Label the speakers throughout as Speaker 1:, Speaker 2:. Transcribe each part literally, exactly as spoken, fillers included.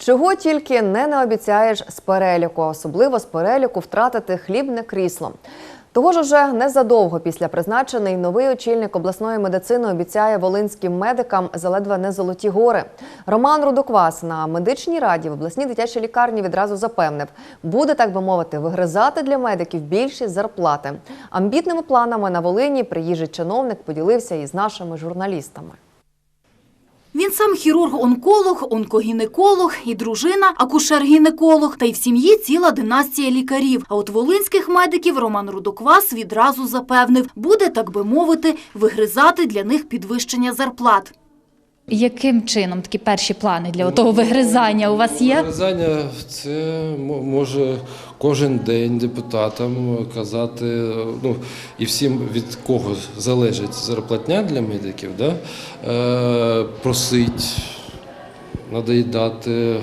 Speaker 1: Чого тільки не наобіцяєш з переліку, особливо з переліку втратити хлібне крісло. Того ж уже незадовго після призначений новий очільник обласної медицини обіцяє волинським медикам заледве не золоті гори. Роман Рудоквас на медичній раді в обласній дитячій лікарні відразу запевнив, буде, так би мовити, вигризати для медиків більші зарплати. Амбітними планами на Волині приїжджий чиновник поділився із нашими журналістами.
Speaker 2: Він сам хірург-онколог, онкогінеколог і дружина – акушер-гінеколог. Та й в сім'ї ціла династія лікарів. А от волинських медиків Роман Рудоквас відразу запевнив, буде, так би мовити, вигризати для них підвищення зарплат.
Speaker 3: Яким чином такі перші плани для того вигризання у вас є?
Speaker 4: Вигризання – це може кожен день депутатам казати, ну і всім, від кого залежить зарплатня для медиків, да, е, просить, надоїдати, е,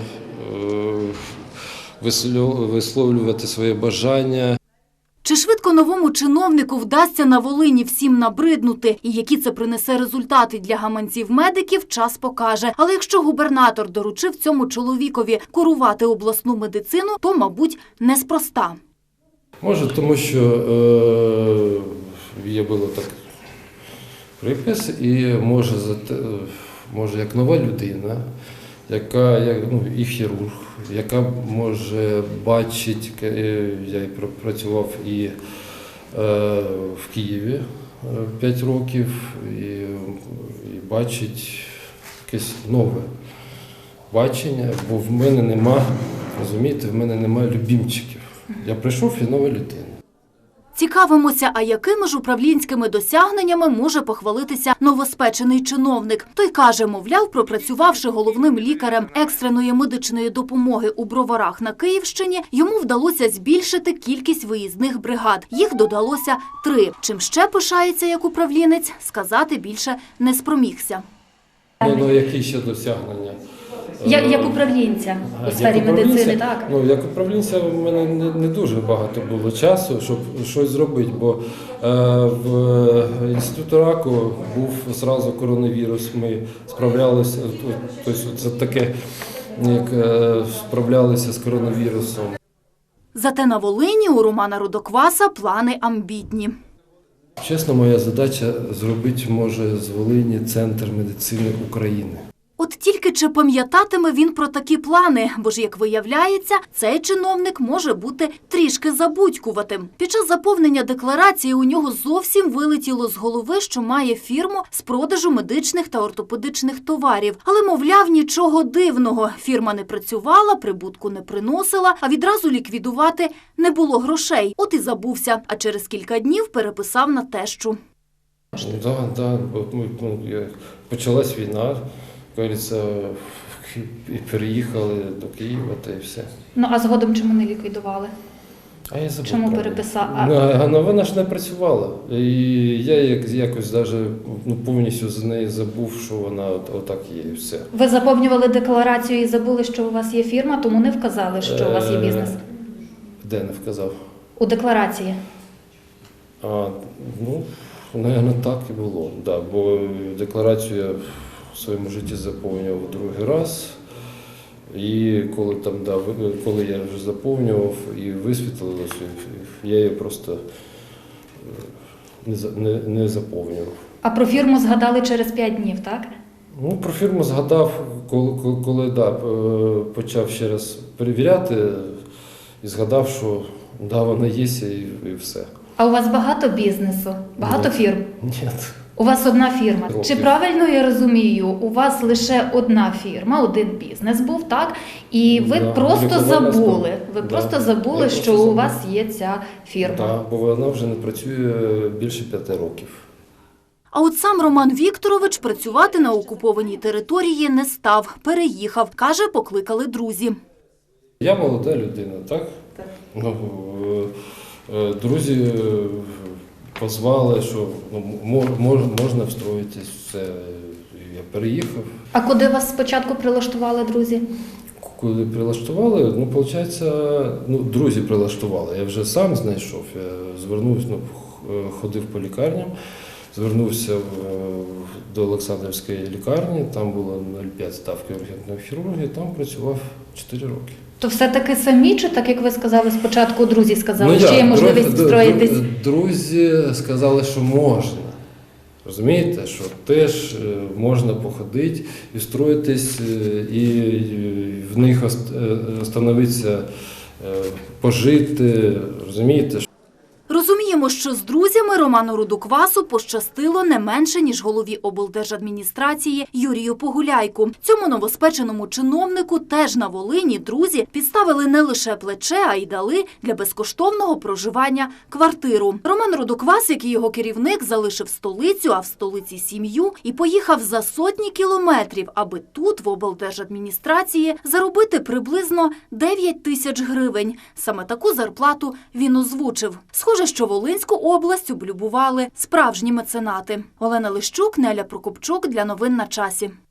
Speaker 4: висловлювати своє бажання.
Speaker 2: Чи швидко новому чиновнику вдасться на Волині всім набриднути? І які це принесе результати для гаманців медиків, час покаже. Але якщо губернатор доручив цьому чоловікові курувати обласну медицину, то, мабуть, неспроста.
Speaker 4: Може, тому що е, є було так припис, і може, може як нова людина, яка, як, ну, і хірург, яка може бачити, я працював і е, в Києві п'ять років, і, і бачить якесь нове бачення, бо в мене нема, розумієте, в мене немає любімчиків. Я прийшов і нова людина.
Speaker 2: Цікавимося, а якими ж управлінськими досягненнями може похвалитися новоспечений чиновник. Той каже, мовляв, пропрацювавши головним лікарем екстреної медичної допомоги у Броварах на Київщині, йому вдалося збільшити кількість виїзних бригад. Їх додалося три. Чим ще пишається як управлінець, сказати більше не спромігся.
Speaker 4: Ну, ну які ще досягнення?
Speaker 3: Як, як управлінця у сфері медицини, так?
Speaker 4: Ну, як управлінця в мене не, не дуже багато було часу, щоб щось зробити, бо е, в інституті раку був одразу коронавірус, ми справлялися, тобто це таке, як е, справлялися з коронавірусом.
Speaker 2: Зате на Волині у Романа Рудокваса плани амбітні.
Speaker 4: Чесно, моя задача зробити, може, з Волині центр медицини України.
Speaker 2: От тільки чи пам'ятатиме він про такі плани, бо ж, як виявляється, цей чиновник може бути трішки забудькуватим. Під час заповнення декларації у нього зовсім вилетіло з голови, що має фірму з продажу медичних та ортопедичних товарів. Але, мовляв, нічого дивного. Фірма не працювала, прибутку не приносила, а відразу ліквідувати не було грошей. От і забувся, а через кілька днів переписав на тещу.
Speaker 4: Так, так, почалась війна. Кажеться, і переїхали до Києва, та й все.
Speaker 3: Ну, а згодом чому не ліквідували?
Speaker 4: А я забув.
Speaker 3: Чому
Speaker 4: правда.
Speaker 3: переписав?
Speaker 4: А... Ну, вона ж не працювала. І я якось даже, ну, повністю з неї забув, що вона от, отак є, і все.
Speaker 3: Ви заповнювали декларацію і забули, що у вас є фірма, тому не вказали, що у вас є бізнес?
Speaker 4: Де не вказав?
Speaker 3: У декларації.
Speaker 4: А, ну, мабуть, так і було. Да, бо декларацію я в своєму житті заповнював другий раз, і коли, там, да, коли я вже заповнював і висвітлилося, я її просто не, не, не заповнював.
Speaker 3: А про фірму згадали через п'ять днів, так?
Speaker 4: Ну, про фірму згадав, коли, коли, коли да, почав ще раз перевіряти і згадав, що да, вона є і, і все.
Speaker 3: А у вас багато бізнесу? Багато
Speaker 4: Ні.
Speaker 3: фірм?
Speaker 4: Ні.
Speaker 3: У вас одна фірма.
Speaker 4: Років.
Speaker 3: Чи правильно я розумію, у вас лише одна фірма, один бізнес був, так? І ви
Speaker 4: Да,
Speaker 3: просто
Speaker 4: лікувальна
Speaker 3: забули, ви
Speaker 4: да.
Speaker 3: просто забули,
Speaker 4: Я
Speaker 3: що
Speaker 4: просто
Speaker 3: у
Speaker 4: забув.
Speaker 3: вас є ця фірма.
Speaker 4: Так, да, бо вона вже не працює більше п'яти років.
Speaker 2: А от сам Роман Вікторович працювати на окупованій території не став. Переїхав. Каже, покликали друзі.
Speaker 4: Я молода людина, так?
Speaker 3: Так.
Speaker 4: Ну, е, друзі позвали, що ну, мож, можна встроїтись, все. Я переїхав.
Speaker 3: А куди вас спочатку прилаштували друзі?
Speaker 4: Коли прилаштували, ну, виходить, ну, друзі прилаштували. Я вже сам знайшов, я звернувся, ну, ходив по лікарням, звернувся в- до Олександрівської лікарні, там було нуль цілих п'ять ставки ургентної хірургії, там працював чотири роки.
Speaker 3: То все-таки самі, чи так, як ви сказали спочатку, друзі сказали,
Speaker 4: Ну,
Speaker 3: що
Speaker 4: як?
Speaker 3: є можливість
Speaker 4: Дру-
Speaker 3: встроїтись?
Speaker 4: дру- Друзі сказали, що можна. Розумієте, що теж е, можна походити і встроїтись, е, і е, в них ост- е, остановитися, е, пожити, розумієте?
Speaker 2: Розуміємо, що з друзями Роману Рудоквасу пощастило не менше, ніж голові облдержадміністрації Юрію Погуляйку. Цьому новоспеченому чиновнику теж на Волині друзі підставили не лише плече, а й дали для безкоштовного проживання квартиру. Роман Рудоквас, як і його керівник, залишив столицю, а в столиці сім'ю і поїхав за сотні кілометрів, аби тут, в облдержадміністрації, заробити приблизно дев'ять тисяч гривень. Саме таку зарплату він озвучив. Схоже, що Волинську область облюбували справжні меценати. Олена Лищук, Неля Прокопчук для новин на часі.